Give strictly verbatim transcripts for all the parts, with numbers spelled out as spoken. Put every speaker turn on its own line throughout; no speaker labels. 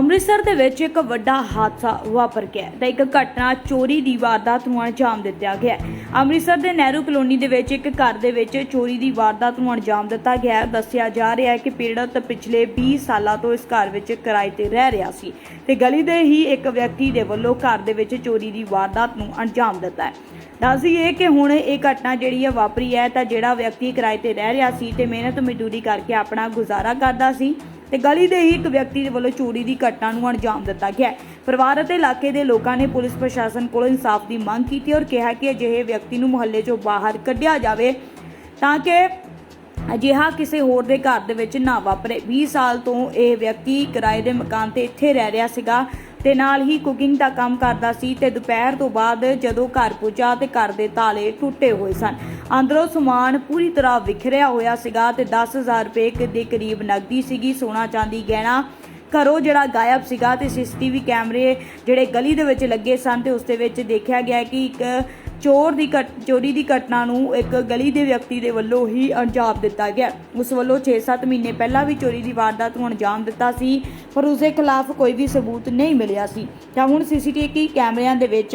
ਅੰਮ੍ਰਿਤਸਰ ਦੇ ਵਿੱਚ ਇੱਕ ਵੱਡਾ ਹਾਦਸਾ ਵਾਪਰ ਗਿਆ ਹੈ ਤਾਂ ਇੱਕ ਘਟਨਾ ਚੋਰੀ ਦੀ ਵਾਰਦਾਤ ਨੂੰ ਅੰਜਾਮ ਦਿੱਤਾ ਗਿਆ ਹੈ। ਅੰਮ੍ਰਿਤਸਰ ਦੇ ਨਹਿਰੂ ਕਲੋਨੀ ਦੇ ਵਿੱਚ ਇੱਕ ਘਰ ਦੇ ਵਿੱਚ ਚੋਰੀ ਦੀ ਵਾਰਦਾਤ ਨੂੰ ਅੰਜਾਮ ਦਿੱਤਾ ਗਿਆ ਹੈ। ਦੱਸਿਆ ਜਾ ਰਿਹਾ ਹੈ ਕਿ ਪੀੜਤ ਪਿਛਲੇ ਵੀਹ ਸਾਲਾਂ ਤੋਂ ਇਸ ਘਰ ਵਿੱਚ ਕਿਰਾਏ ਤੇ ਰਹਿ ਰਿਹਾ ਸੀ ਤੇ ਗਲੀ ਦੇ ਹੀ ਇੱਕ ਵਿਅਕਤੀ ਦੇ ਵੱਲੋਂ ਘਰ ਦੇ ਵਿੱਚ ਚੋਰੀ ਦੀ ਵਾਰਦਾਤ ਨੂੰ ਅੰਜਾਮ ਦਿੱਤਾ ਹੈ। ਦੱਸ ਦਈਏ ਕਿ ਹੁਣ ਇਹ ਘਟਨਾ ਜਿਹੜੀ ਹੈ ਵਾਪਰੀ ਹੈ ਤਾਂ ਜਿਹੜਾ ਵਿਅਕਤੀ ਕਿਰਾਏ ਤੇ ਰਹਿ ਰਿਹਾ ਸੀ ਤੇ ਮਿਹਨਤ ਮਜ਼ਦੂਰੀ ਕਰਕੇ ਆਪਣਾ ਗੁਜ਼ਾਰਾ ਕਰਦਾ ਸੀ ਤੇ ਗਲੀ ਦੇ ਹੀ ਇੱਕ ਵਿਅਕਤੀ ਦੇ ਵੱਲੋਂ ਚੋਰੀ ਦੀ ਘਟਨਾ ਨੂੰ ਅੰਜਾਮ ਦਿੱਤਾ ਗਿਆ। ਪਰਿਵਾਰ ਅਤੇ ਇਲਾਕੇ ਦੇ ਲੋਕਾਂ ਨੇ ਪੁਲਿਸ ਪ੍ਰਸ਼ਾਸਨ ਕੋਲੋਂ ਇਨਸਾਫ ਦੀ ਮੰਗ ਕੀਤੀ ਔਰ ਕਿਹਾ ਕਿ ਅਜਿਹੇ ਵਿਅਕਤੀ ਨੂੰ ਮੁਹੱਲੇ ਚੋਂ ਬਾਹਰ ਕੱਢਿਆ ਜਾਵੇ ਤਾਂ ਕਿ ਅਜਿਹਾ ਕਿਸੇ ਹੋਰ ਦੇ ਘਰ ਦੇ ਵਿੱਚ ਨਾ ਵਾਪਰੇ। ਵੀਹ ਸਾਲ ਤੋਂ ਇਹ ਵਿਅਕਤੀ ਕਿਰਾਏ ਦੇ ਮਕਾਨ ਤੇ ਇੱਥੇ ਰਹਿ ਰਿਹਾ ਸੀਗਾ ਤੇ ਨਾਲ ਹੀ ਕੁਕਿੰਗ ਦਾ ਕੰਮ ਕਰਦਾ ਸੀ ਤੇ ਦੁਪਹਿਰ ਤੋਂ ਬਾਅਦ ਜਦੋਂ ਘਰ ਪੁੱਜਾ ਤੇ ਘਰ ਦੇ ਤਾਲੇ ਟੁੱਟੇ ਹੋਏ ਸਨ। ਅੰਦਰੋਂ ਸਮਾਨ ਪੂਰੀ ਤਰ੍ਹਾਂ ਵਿਖਰਿਆ ਹੋਇਆ ਸੀਗਾ ਤੇ ਦਸ ਹਜ਼ਾਰ ਰੁਪਏ ਦੇ ਕਰੀਬ ਨਕਦੀ ਸੀਗੀ, ਸੋਨਾ ਚਾਂਦੀ ਗਹਿਣਾ ਘਰੋਂ ਜਿਹੜਾ ਗਾਇਬ ਸੀਗਾ ਤੇ ਸੀਸੀਟੀਵੀ ਕੈਮਰੇ ਜਿਹੜੇ ਗਲੀ ਦੇ ਵਿੱਚ ਲੱਗੇ ਸਨ ਤੇ ਉਸ ਦੇ ਵਿੱਚ ਦੇਖਿਆ ਗਿਆ ਕਿ ਇੱਕ ਚੋਰ ਦੀ ਚੋਰੀ ਦੀ ਘਟਨਾ ਨੂੰ ਇੱਕ ਗਲੀ ਦੇ ਵਿਅਕਤੀ ਦੇ ਵੱਲੋਂ ਹੀ ਅੰਜਾਮ ਦਿੱਤਾ ਗਿਆ। ਉਸ ਵੱਲੋਂ ਛੇ ਸੱਤ ਮਹੀਨੇ ਪਹਿਲਾਂ ਵੀ ਚੋਰੀ ਦੀ ਵਾਰਦਾਤ ਨੂੰ ਅੰਜਾਮ ਦਿੱਤਾ ਸੀ ਪਰ ਉਸ ਦੇ ਖਿਲਾਫ ਕੋਈ ਵੀ ਸਬੂਤ ਨਹੀਂ ਮਿਲਿਆ ਸੀ ਤਾਂ ਹੁਣ ਸੀਸੀਟੀਵੀ ਕੈਮਰਿਆਂ ਦੇ ਵਿੱਚ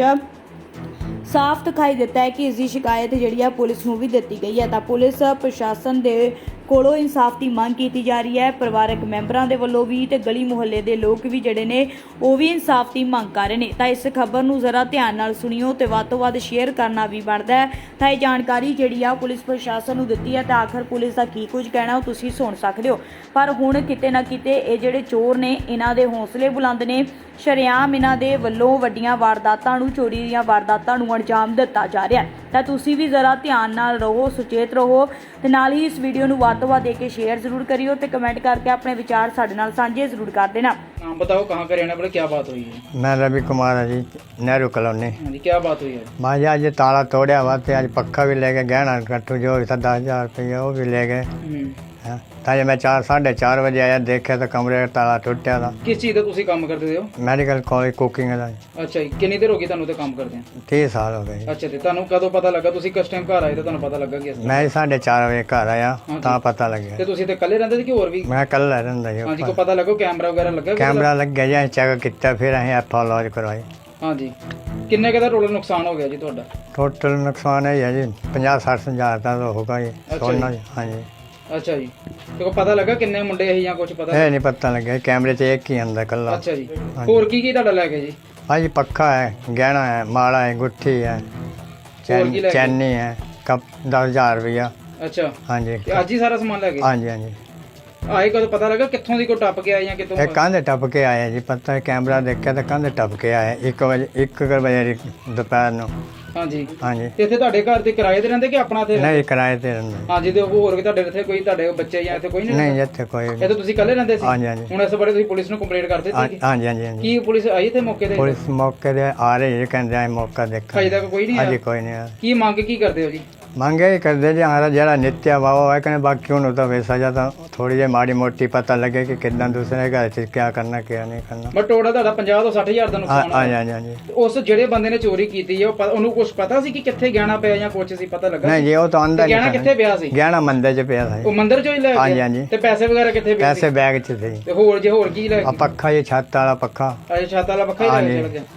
ਸਾਫ਼ ਦਿਖਾਈ ਦਿੱਤਾ ਹੈ ਕਿ ਇਸ ਦੀ ਸ਼ਿਕਾਇਤ ਜਿਹੜੀ ਆ ਪੁਲਿਸ ਨੂੰ ਵੀ ਦਿੱਤੀ ਗਈ ਹੈ ਤਾਂ ਪੁਲਿਸ ਪ੍ਰਸ਼ਾਸਨ ਦੇ ਕੋਲੋਂ ਇਨਸਾਫ ਦੀ ਮੰਗ ਕੀਤੀ ਜਾ ਰਹੀ ਹੈ। ਪਰਿਵਾਰਕ ਮੈਂਬਰਾਂ ਦੇ ਵੱਲੋਂ ਵੀ ਤੇ ਗਲੀ ਮੁਹੱਲੇ ਦੇ ਲੋਕ ਵੀ ਜਿਹੜੇ ਨੇ ਉਹ ਵੀ ਇਨਸਾਫ ਦੀ ਮੰਗ ਕਰ ਰਹੇ ਨੇ ਤਾਂ ਇਸ ਖਬਰ ਨੂੰ ਜ਼ਰਾ ਧਿਆਨ ਨਾਲ ਸੁਣਿਓ ਤੇ ਵੱਧ ਤੋਂ ਵੱਧ ਸ਼ੇਅਰ ਕਰਨਾ ਵੀ ਬਣਦਾ ਹੈ ਤਾਂ ਇਹ ਜਾਣਕਾਰੀ ਜਿਹੜੀ ਆ ਪੁਲਿਸ ਪ੍ਰਸ਼ਾਸਨ ਨੂੰ ਦਿੱਤੀ ਹੈ ਤਾਂ ਆਖਰ ਪੁਲਿਸ ਦਾ ਕੀ ਕੁਝ ਕਹਿਣਾ ਉਹ ਤੁਸੀਂ ਸੁਣ ਸਕਦੇ ਹੋ। ਪਰ ਹੁਣ ਕਿਤੇ ਨਾ ਕਿਤੇ ਇਹ ਜਿਹੜੇ ਚੋਰ ਨੇ ਇਹਨਾਂ ਦੇ ਹੌਸਲੇ ਬੁਲੰਦ ਨੇ, ਸ਼ਰੇਆਮ ਇਹਨਾਂ ਦੇ ਵੱਲੋਂ ਵੱਡੀਆਂ ਵਾਰਦਾਤਾਂ ਨੂੰ ਚੋਰੀ ਦੀਆਂ ਵਾਰਦਾਤਾਂ ਨੂੰ ਅੰਜਾਮ ਦਿੱਤਾ ਜਾ ਰਿਹਾ ਤਾਂ ਤੁਸੀਂ ਵੀ ਜ਼ਰਾ ਧਿਆਨ ਨਾਲ ਰਹੋ, ਸੁਚੇਤ ਰਹੋ ਤੇ ਨਾਲ ਹੀ ਇਸ ਵੀਡੀਓ ਨੂੰ ਵੱਧ ਤੋਂ ਵੱਧ ਦੇ ਕੇ शेयर जरूर करियो ते कमेंट करके अपने विचार साडे नाल सांझे जरूर कर देना।
नाम बताओ, कहाँ का रहने वाले, क्या बात हुई है?
मैं रवि कुमार है जी, नेहरू कॉलोनी।
हाँ जी, क्या बात हुई है?
मैं जी आज ताला तोड़िया हुआ थे, आज पक्का भी ले गए, गहना कट्टू जो भी था दस हजार रुपये वो भी ले गए। ताजे मैं चार साढ़े चार बजे आया, देखा तो कमरे का ताला टुटिया था।
किस चीज़ का तुसी काम करते हो?
मैडिकल कॉलेज कुकिंग का।
अच्छा जी, कितनी देर हो गई ਤੁਹਾਨੂੰ ਤੇ ਕੰਮ ਕਰਦੇ ਆ?
तीस साल हो गए।
अच्छा ਤੇ ਤੁਹਾਨੂੰ ਕਦੋਂ ਪਤਾ ਲੱਗਾ? ਤੁਸੀਂ ਕਿਸ ਟਾਈਮ ਘਰ ਆਏ ਤੇ ਤੁਹਾਨੂੰ ਪਤਾ ਲੱਗਾ ਕਿ ਇਸ
मैं साढ़े चार बजे घर आया ਤਾਂ पता लग
ਤੇ
गया।
ਤੁਸੀਂ ਤੇ ਇਕੱਲੇ ਰਹਿੰਦੇ ਸੀ ਕਿ ਹੋਰ ਵੀ?
मैं कल रहा जी।
ਹਾਂਜੀ, ਕੋਈ ਪਤਾ ਲੱਗੋ ਕੈਮਰਾ ਵਗੈਰਾ ਲੱਗਾ?
कैमरा लग गया जी, चेक किया, फिर अं एफ लॉज करवाई।
ਹਾਂਜੀ, ਕਿੰਨੇ ਕੁ ਦਾ ਟੋਟਲ ਨੁਕਸਾਨ ਹੋ ਗਿਆ ਜੀ ਤੁਹਾਡਾ?
टोटल नुकसान है जी पंजाह सठ हज़ार का तो होगा जी सोना। हाँ जी।
अच्छा जी, ਤੇ ਕੋਈ ਪਤਾ ਲੱਗਾ ਕਿੰਨੇ ਮੁੰਡੇ ਇਹ ਜਾਂ ਕੁਝ ਪਤਾ?
ਇਹ ਨਹੀਂ ਪਤਾ ਲੱਗਿਆ, ਕੈਮਰੇ 'ਚ ਇੱਕ ਹੀ ਆਂਦਾ ਕੱਲਾ।
ਅੱਛਾ ਜੀ, ਹੋਰ ਕੀ ਕੀ ਤੁਹਾਡਾ ਲੈ ਗਏ ਜੀ?
हाँ जी, पक्का है, गहना है, माला है, गुट्ठी है,
और की ले गए?
चैनी है, कप दस हजार रुपया।
ਅੱਛਾ,
हाँ जी।
ਤੇ ਅੱਜ ਹੀ ਸਾਰਾ ਸਮਾਨ ਲੈ ਗਏ?
हाँ जी हाँ जी।
ਆਏ ਕਦੋਂ ਪਤਾ ਲੱਗਾ ਕਿੱਥੋਂ ਦੀ ਕੋਈ ਟੱਪ ਕੇ ਆਏ ਜਾਂ ਕਿਤੋਂ?
एक कंध टप के आए जी, पता है कैमरा देखा तो कंध टप के आए एक बजे एक बजे दोपहर ਨੂੰ।
ਹਾਂਜੀ
हाँ जी।
ਤੇ ਇੱਥੇ ਤੁਹਾਡੇ ਘਰ ਤੇ ਕਿਰਾਏ ਤੇ ਰਹਿੰਦੇ ਕਿ ਆਪਣਾ ਤੇ?
नहीं किराए ते रहंदे।
ਹਾਂਜੀ, ਤੇ ਹੋਰ ਵੀ ਤੁਹਾਡੇ ਇੱਥੇ ਕੋਈ ਤੁਹਾਡੇ ਬੱਚੇ ਜਾਂ ਇੱਥੇ ਕੋਈ ਨਹੀਂ?
नहीं ਇੱਥੇ ਕੋਈ।
ਇਹ ਤਾਂ ਤੁਸੀਂ ਇਕੱਲੇ ਰਹਿੰਦੇ ਸੀ?
हाँ जी हाँ जी।
ਹੁਣ ਇਸ ਬਾਰੇ ਤੁਸੀਂ ਪੁਲਿਸ ਨੂੰ ਕੰਪਲੇਂਟ ਕਰ ਦਿੱਤੀ ਸੀ?
हाँ जी हाँ जी हाँ जी।
ਕੀ ਪੁਲਿਸ ਆਈ ਤੇ ਮੌਕੇ ਤੇ?
पुलिस मौके पे आ रही है, कहते हैं मौका देखा।
ਅਜੇ ਤੱਕ ਕੋਈ ਨਹੀਂ
हाँ
ਆਇਆ?
जी कोई नहीं आया।
ਕੀ ਮੰਗ ਕੀ ਕਰਦੇ ਹੋ ਜੀ?
ਮੰਗੇ ਹੀ ਕਰਦੇ ਜੀ ਹਮਾਰਾ ਜਿਹੜਾ ਨਿੱਤਿਆ ਵਾਵਾ ਹੈ ਕਹਿੰਦੇ ਬਾਕੀ ਉਹਨੂੰ ਤਾਂ ਵੈਸਾ ਜਾਂ ਤਾਂ ਥੋੜੀ ਜਿਹੀ ਮਾੜੀ ਮੋਟੀ ਪਤਾ ਲੱਗੇ ਕਿ ਕਿੱਦਾਂ ਦੂਸਰੇ ਘਰ 'ਚ ਕੀ ਕਰਨਾ ਕੀ ਨਹੀਂ ਕਰਨਾ।
ਬਟ ਟੋਟਲ ਤੁਹਾਡਾ ਪੰਜਾਹ ਤੋਂ ਸੱਠ ਹਜ਼ਾਰ ਦਾ ਨੁਕਸਾਨ
ਹਾਂ
ਹੋਇਆ।
ਹਾਂ ਹਾਂ ਜੀ।
ਉਸ ਜਿਹੜੇ ਬੰਦੇ ਨੇ ਚੋਰੀ ਕੀਤੀ ਹੈ ਉਹ ਪ- ਉਹਨੂੰ ਕੁਝ ਪਤਾ ਸੀ ਕਿ ਕਿੱਥੇ ਗਹਿਣਾ ਪਿਆ ਜਾਂ ਕੁਝ ਸੀ ਪਤਾ ਲੱਗਾ?
ਨਹੀਂ ਜੀ, ਉਹ ਤਾਂ ਅੰਦਰ
ਗਹਿਣਾ ਕਿੱਥੇ ਪਿਆ ਸੀ?
ਗਹਿਣਾ ਮੰਦਰ 'ਚ ਪਿਆ ਸੀ।
ਉਹ ਮੰਦਿਰ ਚੋਂ ਹੀ ਲੈ
ਹਾਂਜੀ,
ਗਿਆ?
ਹਾਂਜੀ।
ਤੇ ਪੈਸੇ ਵਗੈਰਾ ਕਿੱਥੇ ਪਏ
ਪੈਸੇ
ਸੀ?
ਬੈਗ 'ਚ ਸੀ।
ਤੇ ਹੋਰ ਜੇ ਹੋਰ ਕੀ ਲੈ
ਆ
ਗਏ?
ਪੱਖਾ ਜੀ, ਛੱਤ ਵਾਲਾ ਪੱਖਾ।
ਅਜੇ ਛੱਤ ਵਾਲਾ ਪੱਖਾ ਹੀ ਲੈ
ਹਾਂਜੀ।
ਕੇ ਚਲ ਗਿਆ।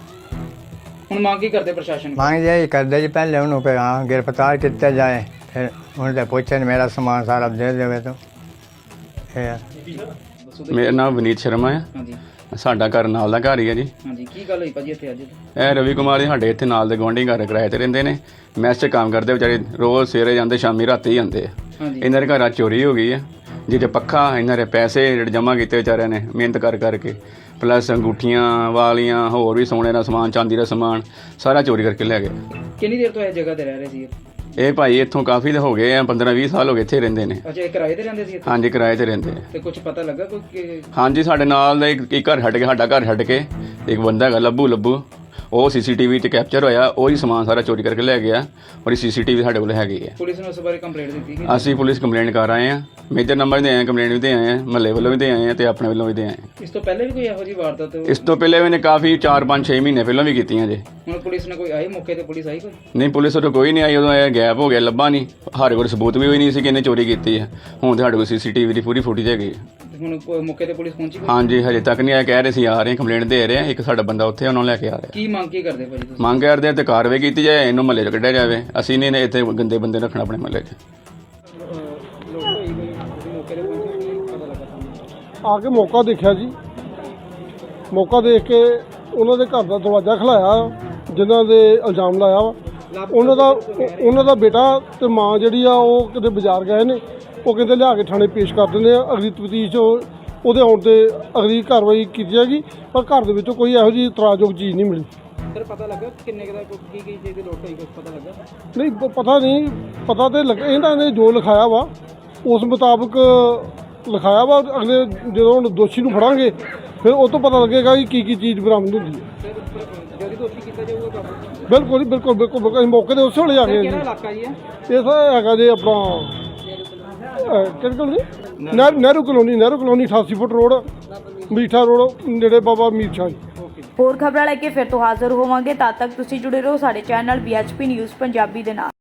ਹੁਣ ਮੰਗ ਕੀ ਕਰਦੇ ਪ੍ਰਸ਼ਾਸਨ ਕੋਲ?
ਮੰਗ ਜੀ ਕਰਦੇ ਜੀ ਪਹਿਲੇ ਉਹਨੂੰ ਕਿ ਹਾਂ ਗ੍ਰਿਫਤਾਰ ਕੀਤਾ ਜਾਏ, ਫਿਰ ਉਹਨੂੰ ਤਾਂ ਪੁੱਛਣ ਮੇਰਾ ਸਮਾਨ ਸਾਰਾ ਦੇ ਦੇਵੇ ਤਾਂ ਇਹ।
ਮੇਰਾ ਨਾਮ ਵਿਨੀਤ ਸ਼ਰਮਾ ਹੈ।
ਹਾਂਜੀ
ਸਾਡਾ ਘਰ ਨਾਲ ਦਾ ਘਰ ਹੀ ਹੈ ਜੀ।
ਹਾਂਜੀ, ਕੀ ਗੱਲ ਹੋਈ ਭਾਜੀ ਇੱਥੇ ਅੱਜ?
ਇਹ ਰਵੀ ਕੁਮਾਰ ਜੀ ਸਾਡੇ ਇੱਥੇ ਨਾਲ ਦੇ ਗੁਆਂਢੀ ਘਰ ਕਿਰਾਏ ਤੇ ਰਹਿੰਦੇ ਨੇ। ਮੈਸ 'ਚ ਕੰਮ ਕਰਦੇ ਵਿਚਾਰੇ, ਰੋਜ਼ ਸਵੇਰੇ ਜਾਂਦੇ ਸ਼ਾਮੀ ਰਾਤੀ ਆਉਂਦੇ ਆ।
ਹਾਂਜੀ,
ਇਹਨਾਂ ਦੇ ਘਰਾਂ ਚੋਰੀ ਹੋ ਗਈ ਹੈ, ਜਿਹਦੇ ਪੱਖਾ ਇਹਨਾਂ ਦੇ ਪੈਸੇ ਜਿਹੜੇ ਜਮ੍ਹਾਂ ਕੀਤੇ ਵਿਚਾਰਿਆਂ ਨੇ ਮਿਹਨਤ ਕਰ ਕਰਕੇ, ਪਲੱਸ ਅੰਗੂਠੀਆਂ ਵਾਲੀਆਂ ਹੋਰ ਵੀ ਸੋਨੇ ਦਾ ਸਮਾਨ, ਚਾਂਦੀ ਦਾ ਸਮਾਨ ਸਾਰਾ ਚੋਰੀ ਕਰਕੇ ਲੈ ਗਏ।
ਕਿੰਨੀ ਦੇਰ ਤੋਂ ਇਹ ਜਗ੍ਹਾ ਤੇ ਰਹਿ ਰਹੇ ਸੀ?
ਇਹ ਭਾਈ ਇੱਥੋਂ ਕਾਫੀ ਹੋ ਗਏ ਆ, ਪੰਦਰਾਂ ਵੀਹ ਸਾਲ ਹੋ ਗਏ ਇੱਥੇ ਰਹਿੰਦੇ ਨੇ।
ਅੱਛਾ, ਇਹ ਕਿਰਾਏ ਤੇ ਰਹਿੰਦੇ ਸੀ ਇੱਥੇ?
ਹਾਂਜੀ, ਕਿਰਾਏ ਤੇ ਰਹਿੰਦੇ ਆ।
ਤੇ ਕੁਝ ਪਤਾ ਲੱਗਾ ਕੋਈ ਕਿ-
ਹਾਂਜੀ, ਸਾਡੇ ਨਾਲ ਦਾ ਇੱਕ ਇੱਕ ਘਰ ਛੱਡ ਕੇ, ਸਾਡਾ ਘਰ ਛੱਡ ਕੇ ਇੱਕ ਬੰਦਾ ਹੈਗਾ ਲੱਭੂ ਲੱਭੂ, ਉਹ ਸੀਸੀਟੀਵੀ 'ਤੇ ਕੈਪਚਰ ਹੋਇਆ, ਉਹੀ ਸਮਾਨ ਸਾਰਾ ਚੋਰੀ ਕਰਕੇ ਲੈ ਗਿਆ ਔਰ ਇਹ ਸੀਸੀਟੀਵੀ ਸਾਡੇ ਕੋਲ ਹੈਗੀ ਹੈ।
ਪੁਲਿਸ ਨੂੰ ਇਸ ਬਾਰੇ ਕੰਪਲੇਂਟ ਦਿੱਤੀ ਕਿ?
ਅਸੀਂ ਪੁਲਿਸ ਕੰਪਲੇਂਟ ਕਰ ਆਏ ਹਾਂ, ਮੇਜਰ ਨੰਬਰ ਦੇ ਆਏ, ਕੰਪਲੇਂਟ ਵੀ ਦੇ ਆਏ ਹਾਂ, ਮਹੱਲੇ ਵੱਲੋਂ ਵੀ ਦੇ ਆਏ ਹਾਂ ਤੇ ਆਪਣੇ ਵੱਲੋਂ ਵੀ ਦੇ ਆਏ ਹਾਂ।
ਇਸ ਤੋਂ ਪਹਿਲੇ ਵੀ ਕੋਈ ਇਹੋ ਜਿਹੀ ਵਾਰਦਾਤ?
ਇਸ ਤੋਂ ਪਹਿਲੇ ਵੀ ਨੇ ਕਾਫੀ ਚਾਰ ਪੰਜ ਛੇ ਮਹੀਨੇ ਪਹਿਲਾਂ ਵੀ ਕੀਤੀਆਂ ਜੇ।
ਹੁਣ ਪੁਲਿਸ ਨੇ ਕੋਈ ਆਈ ਮੌਕੇ ਤੇ? ਪੁਲਿਸ ਆਈ ਕੋਈ?
ਨਹੀਂ, ਪੁਲਿਸ ਉਦੋਂ ਕੋਈ ਨਹੀਂ ਆਈ, ਉਦੋਂ ਇਹ ਗੈਪ ਹੋ ਗਿਆ, ਲੱਭਾ ਨਹੀਂ। ਸਾਡੇ ਕੋਲ ਸਬੂਤ ਵੀ ਹੋਈ ਨਹੀਂ ਸੀ ਕਿ ਇਹਨੇ ਚੋਰੀ ਕੀਤੀ ਹੈ। ਹੁਣ ਤੇ ਸਾਡੇ ਕੋਲ ਸੀਸੀਟੀਵੀ ਦੀ ਪੂਰੀ ਫੁਟੇਜ ਹੈਗੀ ਹੈ।
ਹੁਣ ਕੋਈ ਮੌਕੇ ਤੇ ਪੁਲਿਸ ਪਹੁੰਚੀ ਕੋਈ?
ਹਾਂਜੀ ਹਜੇ ਤੱਕ ਨਹੀਂ ਆਇਆ, ਕਹਿ ਰਹੇ ਸੀ ਆ ਰਹੇ, ਕੰਪਲੇਂਟ ਦੇ ਰਹੇ ਆ, ਇੱਕ ਸਾਡਾ ਬੰਦਾ ਉੱਥੇ ਉਹਨਾਂ ਨੂੰ ਲੈ ਕੇ ਆ ਰਿਹਾ।
ਕੀ ਮੰਗ ਕੀ ਕਰਦੇ ਭਾਜੀ ਤੁਸੀਂ?
ਮੰਗ ਕਰਦੇ ਆ ਤੇ ਕਾਰਵਾਈ ਕੀਤੀ ਜਾਏ, ਇਹਨੂੰ ਮਹੱਲੇ 'ਚ ਕੱਢਿਆ ਜਾਵੇ। ਅਸੀਂ ਨਹੀਂ ਇੱਥੇ ਗੰਦੇ ਬੰਦੇ ਰੱਖਣਾ ਆਪਣੇ ਮਹੱਲੇ 'ਚ।
ਆ ਕੇ ਮੌਕਾ ਦੇਖਿਆ ਜੀ, ਮੌਕਾ ਦੇਖ ਕੇ ਉਹਨਾਂ ਦੇ ਘਰ ਦਾ ਦਰਵਾਜ਼ਾ ਖਲਾਇਆ, ਜਿਨ੍ਹਾਂ ਦੇ ਇਲਜ਼ਾਮ ਲਾਇਆ ਵਾ। ਉਹਨਾਂ ਦਾ ਉਹਨਾਂ ਦਾ ਬੇਟਾ ਤੇ ਮਾਂ ਜਿਹੜੀ ਆ ਉਹ ਕਿਤੇ ਬਾਜ਼ਾਰ ਗਏ ਨੇ, ਉਹ ਕਹਿੰਦੇ ਲਿਆ ਕੇ ਥਾਣੇ ਪੇਸ਼ ਕਰ ਦਿੰਦੇ ਆ। ਅਗਲੀ ਤਫਤੀਸ਼ ਉਹਦੇ ਆਉਣ ਤੇ ਅਗਲੀ ਕਾਰਵਾਈ ਕੀਤੀ ਜਾਏਗੀ, ਪਰ ਘਰ ਦੇ ਵਿੱਚੋਂ ਕੋਈ ਇਹੋ ਜਿਹੀ ਇਤਰਾਜ਼ਯੋਗ ਚੀਜ਼ ਨਹੀਂ ਮਿਲੀ।
ਸਰ ਪਤਾ ਲੱਗਾ ਕਿੰਨੇ ਕੁ ਦਾ ਕੀ ਕੀ ਚੀਜ਼ ਦੀ ਲੋਟ ਹੋਈ, ਕੁਝ ਪਤਾ ਲੱਗਾ?
ਨਹੀਂ ਪ- ਪਤਾ ਨਹੀਂ, ਪਤਾ ਤੇ ਲੱਗ ਇਹਨਾਂ ਨੇ ਜੋ ਲਿਖਾਇਆ ਵਾ ਉਸ ਮੁਤਾਬਕ ਲਿਖਾਇਆ ਵਾ। ਅਗਲੇ ਜਦੋਂ ਹੁਣ ਦੋਸ਼ੀ ਨੂੰ ਫੜਾਂਗੇ ਫਿਰ ਉਹ ਤੋਂ ਪਤਾ ਲੱਗੇਗਾ ਕਿ ਕੀ ਕੀ ਚੀਜ਼ ਬਰਾਮਦ ਹੁੰਦੀ ਹੈ।
ਜਦੋਂ ਦੋਸ਼ੀ ਕੀਤਾ ਜਾਊਗਾ ਕਾਬੂ?
ਬਿਲਕੁਲ ਜੀ, ਬਿਲਕੁਲ ਬਿਲਕੁਲ ਬਿਲਕੁਲ। ਅਸੀਂ ਮੌਕੇ ਤੇ ਉਸੇ ਵੇਲੇ ਆ ਗਏ ਹਾਂ
ਕਿਹੜਾ
ਜੀ।
ਇਲਾਕਾ ਜੀ ਹੈ?
ਇਹ ਸਰ ਹੈਗਾ ਜੀ ਆਪਣਾ ਕਿਹੜੀ ਕਲੋਨੀ, ਨਹਿ- ਨਹਿਰੂ ਕਲੋਨੀ, ਨਹਿਰੂ ਕਲੋਨੀ ਅਠਾਸੀ ਫੁੱਟ ਰੋਡ, ਮੀਠਾ ਰੋਡ, ਨੇੜੇ ਬਾਬਾ ਮੀਰ ਸ਼ਾਹ ਜੀ।
ਹੋਰ ਖਬਰਾਂ ਲੈ ਕੇ ਫਿਰ ਤੋਂ ਹਾਜ਼ਰ ਹੋਵਾਂਗੇ। ਤਦ ਤੱਕ ਤੁਸੀਂ ਜੁੜੇ ਰਹੋ ਸਾਡੇ channel B H P news Punjabi ਦੇ ਨਾਲ।